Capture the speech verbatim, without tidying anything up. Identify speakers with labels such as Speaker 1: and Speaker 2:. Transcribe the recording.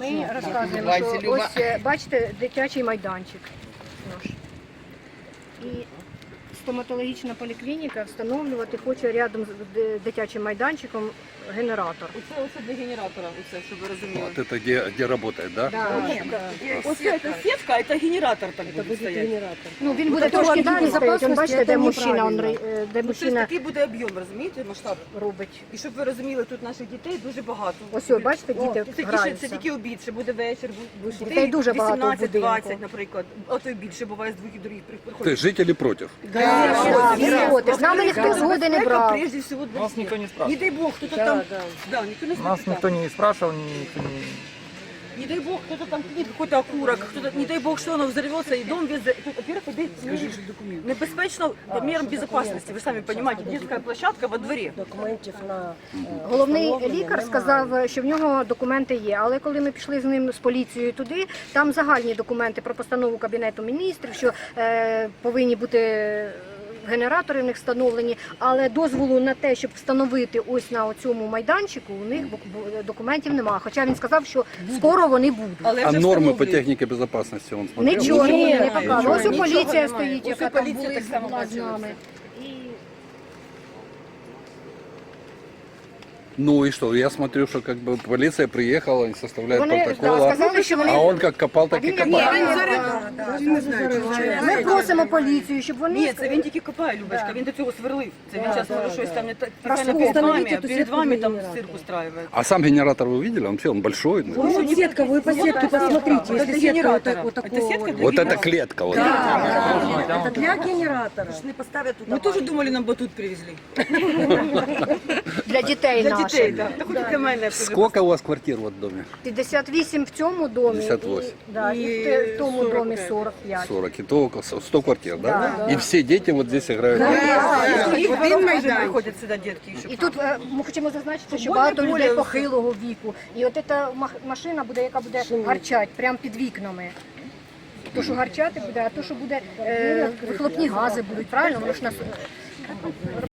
Speaker 1: Ми розказуємо, що ось, е, бачите, дитячий майданчик наш. І стоматологічна поліклініка встановлювати хоче рядом з д- дитячим майданчиком генератор.
Speaker 2: Оце, оце для генератора, оце, щоб ви розуміли.
Speaker 3: Вот это где, где работает, да?
Speaker 1: Да.
Speaker 2: Оце це сітка, а це генератор так буде стояти.
Speaker 1: Ну, він буде трошки далі стояти. Он, бачите, де мужчина, он, ри- е, де
Speaker 2: Ну, це ж
Speaker 1: мужчина
Speaker 2: такий буде об'єм, розумієте, масштаб.
Speaker 1: робить.
Speaker 2: І щоб ви розуміли, тут наших дітей дуже багато.
Speaker 1: Ось, о, бачите, діти
Speaker 2: О, це, тільки,
Speaker 1: граються.
Speaker 2: це тільки обід, ще буде вечір, бу-
Speaker 1: Дітей
Speaker 2: дітей
Speaker 1: дуже багато в
Speaker 2: вісімнадцять двадцять,
Speaker 1: будинку.
Speaker 2: наприклад. А то й більше буває з двох і других
Speaker 3: То
Speaker 2: приходять.
Speaker 3: есть жители против?
Speaker 1: Да, він проти. З нами ніхто згоди не брав.
Speaker 2: Прежде всего для
Speaker 4: Нас
Speaker 2: всех.
Speaker 4: никто не спрашивал.
Speaker 2: Не дай бог, кто-то там... Да, никто не
Speaker 4: Нас
Speaker 2: спрашивал.
Speaker 4: никто не спрашивал, никто не...
Speaker 2: Не дай бог, кто-то там кинет какой-то окурок, кто-то, не дай бог, что оно взорвется, и дом весь... за- Тут, во-первых, это Скажи, что документ. Небезпечно мерам безопасности, вы сами понимаете, детская площадка во дворе.
Speaker 5: Документів на
Speaker 1: Головний лікар сказав, що в нього документи є, але коли ми пішли з ним з поліцією туди, там загальні документи про постанову Кабінету міністрів, що е, повинні бути генератори в них встановлені, але дозволу на те, щоб встановити ось на цьому майданчику, у них бу- бу- документів немає. Хоча він сказав, що скоро вони будуть.
Speaker 2: Але
Speaker 3: А
Speaker 2: вже
Speaker 3: нормы по
Speaker 2: встановлюють.
Speaker 3: технике безопасности он смотрел?
Speaker 1: Нічого
Speaker 2: Ні,
Speaker 1: ні, не
Speaker 2: нічого,
Speaker 1: показував. Ось у
Speaker 2: нічого
Speaker 1: поліція
Speaker 2: немає.
Speaker 1: стоїть,
Speaker 2: Ось
Speaker 1: яка
Speaker 2: у
Speaker 1: там
Speaker 2: поліція
Speaker 1: були
Speaker 2: так само
Speaker 1: була з
Speaker 2: бачила
Speaker 1: нами. І
Speaker 3: Ну и что, я смотрю, что как бы полиция приехала, они составляют
Speaker 1: Вони,
Speaker 3: протокол,
Speaker 1: да,
Speaker 3: а-
Speaker 1: сказали, що вони...
Speaker 3: а он как копал, так и
Speaker 1: Він як
Speaker 3: копал.
Speaker 1: Ми просимо поліцію, щоб вони...
Speaker 2: Ні, це він тільки копає, Любочка, він до цього сверлив. Це він зараз може щось там не так
Speaker 1: Просто
Speaker 2: перед вами,
Speaker 5: встановіть
Speaker 2: а
Speaker 5: эту
Speaker 2: перед
Speaker 5: сітку
Speaker 2: вами
Speaker 5: для
Speaker 2: там
Speaker 5: генератора.
Speaker 2: цирк устраивает.
Speaker 3: А сам генератор вы видели? Он все, он большой. ну.
Speaker 5: Ну, вот сетка, вы по сетке посмотрите,
Speaker 2: Это
Speaker 5: если сетка вот,
Speaker 2: генератора.
Speaker 5: так- вот
Speaker 2: Это
Speaker 5: такого
Speaker 2: сетка
Speaker 5: вот.
Speaker 2: для
Speaker 3: Вот это
Speaker 2: генератора.
Speaker 3: клетка. Вот.
Speaker 5: Это для генератора.
Speaker 2: Мы тоже думали, нам батут привезли.
Speaker 1: Для дітей
Speaker 2: Для
Speaker 1: наших.
Speaker 2: дітей, так. Та хоч таке мене.
Speaker 3: Сколько у вас квартир вот в доме?
Speaker 1: п'ятдесят вісім в цьому домі,
Speaker 3: п'ятдесят вісім.
Speaker 1: І, да, і,
Speaker 2: І
Speaker 1: в те- в тому
Speaker 2: сорок
Speaker 1: домі
Speaker 2: п'ять.
Speaker 1: сорок п'ять.
Speaker 3: сорок. И то около сто квартир, да?
Speaker 1: Да.
Speaker 3: И все дети вот здесь играют.
Speaker 2: І один майдан. Приходять сюди дітки.
Speaker 1: І тут е, ми хочемо зазначити, що
Speaker 2: Футбольне
Speaker 1: багато
Speaker 2: поле,
Speaker 1: людей
Speaker 2: все.
Speaker 1: похилого віку. І от ця мах- машина буде, яка буде гарчати прямо під вікнами. То, що гарчати буде, а то, що буде е, вихлопні гази будуть, правильно? Воно ж нас